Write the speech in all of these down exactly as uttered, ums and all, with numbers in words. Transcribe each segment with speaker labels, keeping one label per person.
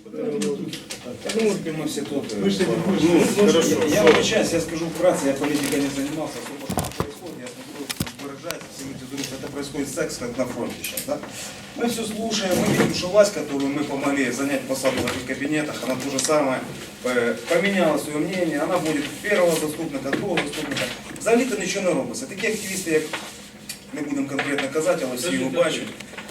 Speaker 1: Я думаю, что мы все тут.
Speaker 2: Мы же не будем.
Speaker 1: Ну, хорошо. Я сейчас, я скажу вкратце, я политикой не занимался, сколько что происходит, я смотрю, выражается, все люди думают, это происходит секс, как на фронте сейчас, да? Мы все слушаем, мы видим, что власть, которую мы помогли занять посаду в этих кабинетах, она то же самое поменяла свое мнение, она будет первого заступника, другого заступника. Взагалі-то нічого не робиться. Такі активісти, як не будемо конкретно казати, але всі його бачать.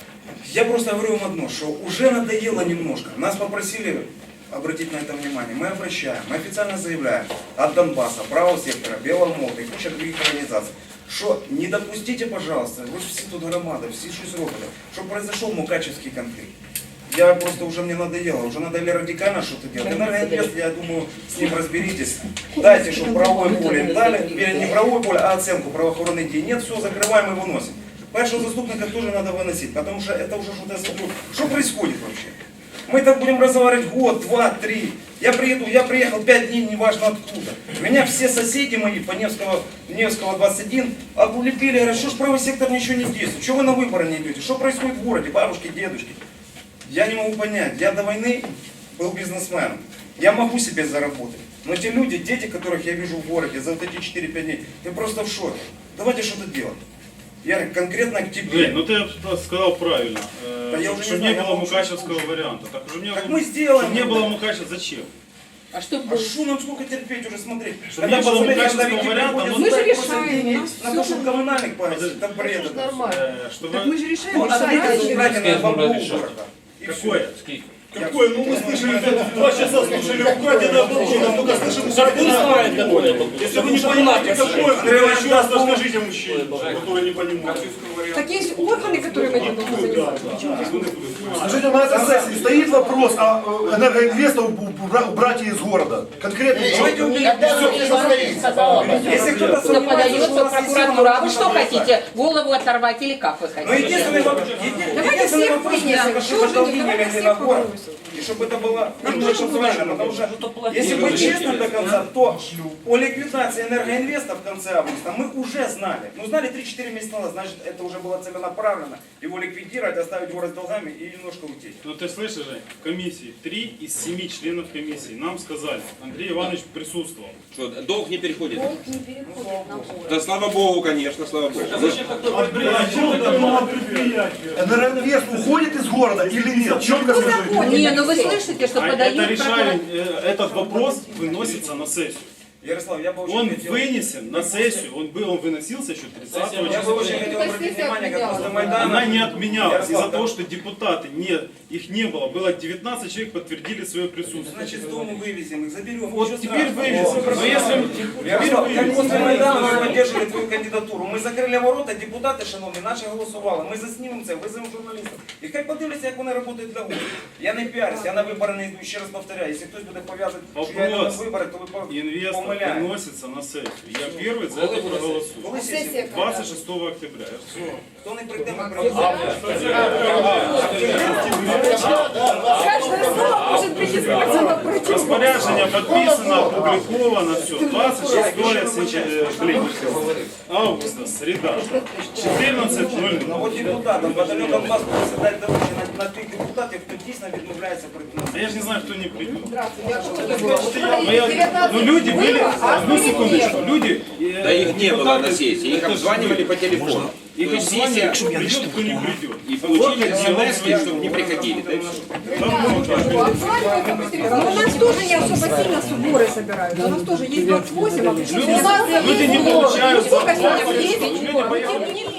Speaker 1: Я просто говорю вам одно, что уже надоело немножко. Нас попросили обратить на это внимание. Мы обращаем, мы официально заявляем от Донбасса, правого сектора, Белого мота и куча других организаций, что не допустите, пожалуйста, вы же все тут громада, все щось робите, чтобы произошел мукачевский конфликт. Я просто уже мне надоело, уже надо радикально что-то делать. Энергоинвест, я думаю, с ним разберитесь. Дайте, чтобы правовое поле им дали, не правовое поле, а оценку правоохранных дій. Нет, все, закрываем и выносим. Першого заступника тоже надо выносить, потому что это уже что-то, я смотрю, что происходит вообще? Мы так будем разговаривать год, два, три. Я приеду, я приехал пять дней, неважно откуда. Меня все соседи мои по Невского, Невского двадцать один облепили, говорят, что ж правый сектор ничего не действует, что вы на выборы не идете, что происходит в городе, бабушки, дедушки. Я не могу понять, я до войны был бизнесменом, я могу себе заработать. Но те люди, дети, которых я вижу в городе за вот эти четыре-пять дней, я просто в шоке. Давайте что-то делать. Я конкретно к тебе.
Speaker 3: Жень, ну ты сказал правильно,
Speaker 1: Да
Speaker 3: э,
Speaker 1: я уже
Speaker 3: что
Speaker 1: не
Speaker 3: не
Speaker 1: знаю,
Speaker 3: было
Speaker 1: я
Speaker 3: мукачевского
Speaker 1: уже
Speaker 3: варианта. Так, уже не
Speaker 1: Так
Speaker 3: было,
Speaker 1: мы сделаем.
Speaker 3: что не было мукачева, зачем?
Speaker 4: А что
Speaker 1: А
Speaker 4: было?
Speaker 1: что нам сколько терпеть уже смотреть?
Speaker 3: Что не было мукачевского варианта, но-
Speaker 4: Мы же решаем,
Speaker 1: на
Speaker 4: нас
Speaker 1: то,
Speaker 4: всё
Speaker 1: что коммунальных платить, там бред.
Speaker 4: Это
Speaker 1: это
Speaker 4: нормально.
Speaker 3: Э, что
Speaker 4: Так
Speaker 3: вы-
Speaker 4: мы же решаем,
Speaker 1: Ну, а
Speaker 4: решаем.
Speaker 1: давайте убрать на бабу
Speaker 5: решать?
Speaker 1: города. И
Speaker 3: Какое?
Speaker 1: всё.
Speaker 2: Какой? Ну мы слышали, два часа слушали украденное оружие, только слышим украденное оружие. Если вы не понимаете, какое, еще раз расскажите мужчине, который не понимает.
Speaker 4: Так есть органы, которые этим должны заниматься.
Speaker 2: Скажите, на этой сессии стоит вопрос о э, энергоинвеста убра- убрать из города. Конкретно.
Speaker 1: Давайте уберем. Если кто-то
Speaker 6: Кто
Speaker 1: сомневается,
Speaker 6: подается
Speaker 1: что у
Speaker 6: в
Speaker 1: нас есть
Speaker 6: прокуратуру, а вы
Speaker 1: сила,
Speaker 6: что
Speaker 1: надо
Speaker 6: хотите? Голову оторвать или как вы
Speaker 1: Но
Speaker 6: хотите?
Speaker 1: единственный вопрос, еди-
Speaker 4: Давайте
Speaker 1: единственный
Speaker 4: всех
Speaker 1: вопрос,
Speaker 4: вынесем.
Speaker 1: чтобы
Speaker 4: Что же
Speaker 1: долги
Speaker 4: не,
Speaker 1: не
Speaker 4: давайте
Speaker 1: легли
Speaker 4: всех
Speaker 1: на город,
Speaker 4: попросим.
Speaker 1: и чтобы это было
Speaker 4: Нам
Speaker 1: немножко
Speaker 4: тоже
Speaker 1: правильно, потому что если быть честным до конца, то о ликвидации энергоинвеста в конце августа мы уже знали. Ну знали три-четыре месяца назад, значит это уже было целенаправленно его ликвидировать, оставить город с долгами и немножко уйти.
Speaker 3: Ну ты слышишь, Жень, в комиссии три из семи членов комиссии нам сказали, Андрей Иванович присутствовал.
Speaker 5: Что, долг не переходит?
Speaker 4: Долг не переходит на город.
Speaker 5: Да слава богу, конечно, слава богу.
Speaker 2: Энергоинвест уходит из города или нет? Четко скажите.
Speaker 6: Не, ну вы слышите, что
Speaker 3: А это
Speaker 6: подают
Speaker 3: решали,
Speaker 6: прокуратуру.
Speaker 3: э, этот вопрос выносится на сессию.
Speaker 1: Ярослав, я бы очень
Speaker 3: Он
Speaker 1: хотел...
Speaker 3: вынесен на сессию, он был, он выносился еще тридцатого
Speaker 1: Я бы очень
Speaker 3: числа.
Speaker 1: хотел обратить внимание, как после Майдана...
Speaker 3: Она не отменялась
Speaker 1: Ярослав,
Speaker 3: из-за
Speaker 1: да.
Speaker 3: того, что депутаты, нет, их не было. Было девятнадцать человек, подтвердили свое присутствие.
Speaker 1: Значит, с дому вывезем их, заберем.
Speaker 3: Вот
Speaker 1: ничего
Speaker 3: теперь
Speaker 1: страшного.
Speaker 3: вывезем. Но если...
Speaker 1: Ярослав, как после Майдану ми поддерживали твою кандидатуру. Ми закрили ворота, депутати, шановні, наші голосували. Ми заснімемо це, визовемо журналістів. І хай подивляться, як вони працюють для города. Я не піарюсь, я на вибори не йду. Ще раз повторяю, якщо хтось буде пов'язати, що я йду на вибори, то ви
Speaker 3: Инвестор
Speaker 1: помиляєте.
Speaker 3: выносится на сессию. Я первый за это проголосую.
Speaker 1: Коли сесія?
Speaker 4: Сессия когда?
Speaker 3: двадцать шестого октября.
Speaker 1: Хто не прийде, ми проголосуємо.
Speaker 4: Каждое слово может быть использовано против.
Speaker 3: Распоряжение подписано, опубликовано, все. двадцать шестое сентября, блин, августа, среда, четырнадцать ноль
Speaker 1: Ну
Speaker 3: ноль.
Speaker 1: от депутатам, батальйон Донбас просить дати доручення на, на тих депутатів, хто дійсно відмовляється прийти.
Speaker 3: А я же не знаю, кто не придет.
Speaker 4: Здравствуйте.
Speaker 3: Но я- ну люди были,
Speaker 4: а
Speaker 3: одну секундочку, люди... э,
Speaker 5: Да их не было
Speaker 3: депутаты,
Speaker 5: на сессии, их
Speaker 3: это ж
Speaker 5: обзванивали
Speaker 3: вы.
Speaker 5: по телефону.
Speaker 3: Их
Speaker 5: То есть
Speaker 3: обзванивали,
Speaker 5: сессия,
Speaker 3: кто придет, кто не придет.
Speaker 5: и получили смс, чтобы не приходили. Да и всё.
Speaker 4: Обзванивают, допустим, но у нас тоже не особо сильно сборы собирают. У нас тоже есть двадцать восемь, а причем
Speaker 3: Люди, люди не получают
Speaker 4: сколько
Speaker 3: зарплату.
Speaker 4: сегодня? десять
Speaker 3: Люди
Speaker 4: сборов.
Speaker 3: боятся.
Speaker 4: Тем не менее.